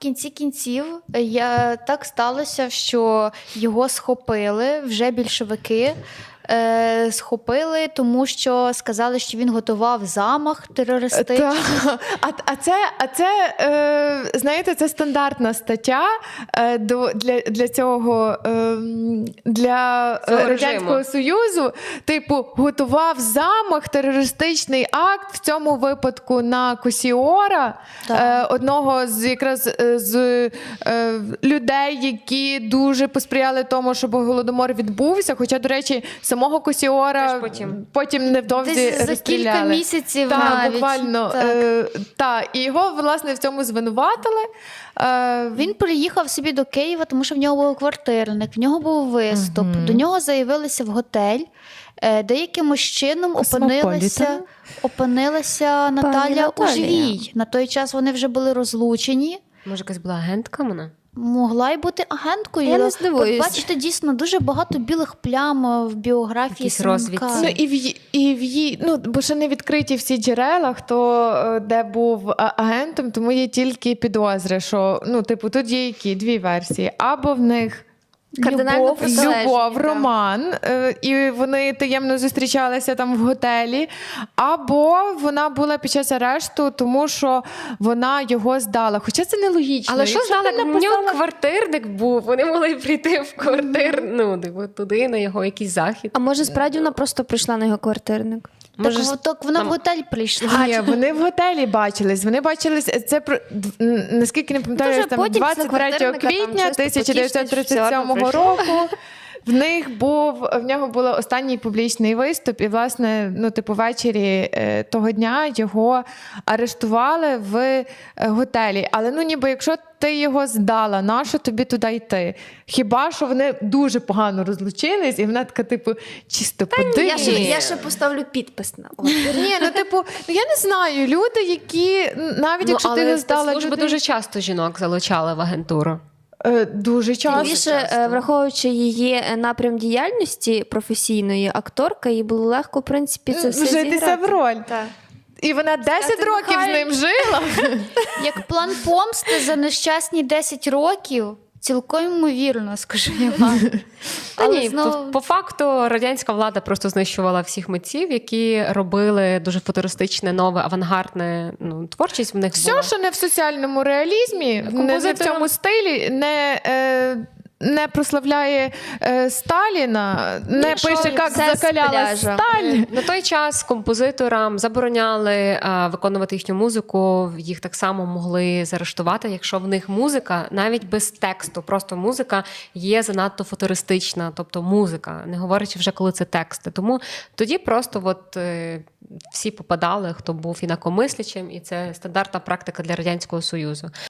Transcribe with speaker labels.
Speaker 1: кінці кінців так сталося, що його схопили вже більшовики. Схопили, тому що сказали, що він готував замах терористичний.
Speaker 2: Знаєте, це стандартна стаття для цього, для Радянського Союзу. Типу, готував замах, терористичний акт, в цьому випадку на Косіора, одного з людей, які дуже посприяли тому, щоб Голодомор відбувся. Хоча, до речі, самого Косіора потім невдовзі розстріляли.
Speaker 1: За кілька місяців
Speaker 2: навіть. Буквально. І його, власне, в цьому звинуватили.
Speaker 1: Він приїхав собі до Києва, тому що в нього був квартирник, в нього був виступ. До нього заявилися в готель, де якимось чином опинилася Наталя Ужвій. На той час вони вже були розлучені.
Speaker 3: Може, якась була агентка вона?
Speaker 1: Могла й бути агенткою.
Speaker 4: Я не здивуюсь.
Speaker 1: Бачите, дійсно, дуже багато білих плям в біографії Семенка.
Speaker 2: Бо ще не відкриті всі джерела, хто де був агентом, тому є тільки підозри, що, тут є які? Дві версії. Або в них любов, роман, і вони таємно зустрічалися там в готелі, або вона була під час арешту, тому що вона його здала. Хоча це нелогічно.
Speaker 3: Але що знали, у нього квартирник був, вони могли прийти в туди, на його якийсь захід.
Speaker 4: А може, справді вона просто прийшла на його квартирник?
Speaker 1: Так вона в готель прийшла.
Speaker 2: Ні, вони в готелі бачились. Вони бачились, це, наскільки не пам'ятаю, там 23 квітня 1937 року. В нього був останній публічний виступ, і, власне, ввечері того дня його арештували в готелі. Але, ніби, якщо ти його здала, нащо тобі туди йти? Хіба що вони дуже погано розлучились, і вона така, чисто подивись.
Speaker 4: Я ще поставлю підпис на.
Speaker 2: Ні, я не знаю, люди, які, навіть якщо ти його здала...
Speaker 3: Служби дуже часто жінок залучали в агентуру.
Speaker 2: Дуже часто.
Speaker 4: Більше, враховуючи її напрям діяльності професійної, акторка, їй було легко, в принципі, це все
Speaker 2: вжитися в роль.
Speaker 4: Так.
Speaker 2: І вона 10 років з ним жила.
Speaker 1: Як план помсти за нещасні 10 років, цілком ймовірно, скажу я вам.
Speaker 3: По факту радянська влада просто знищувала всіх митців, які робили дуже футуристичне, нове, авангардне творчість в них була.
Speaker 2: Все, що не в соціальному реалізмі, не в цьому стилі, не прославляє Сталіна, не пише, як закаляла сталь.
Speaker 3: На той час композиторам забороняли виконувати їхню музику, їх так само могли заарештувати, якщо в них музика, навіть без тексту, просто музика є занадто футуристична, тобто музика, не говорячи вже, коли це тексти. Тому тоді просто всі попадали, хто був інакомислячим, і це стандартна практика для Радянського Союзу.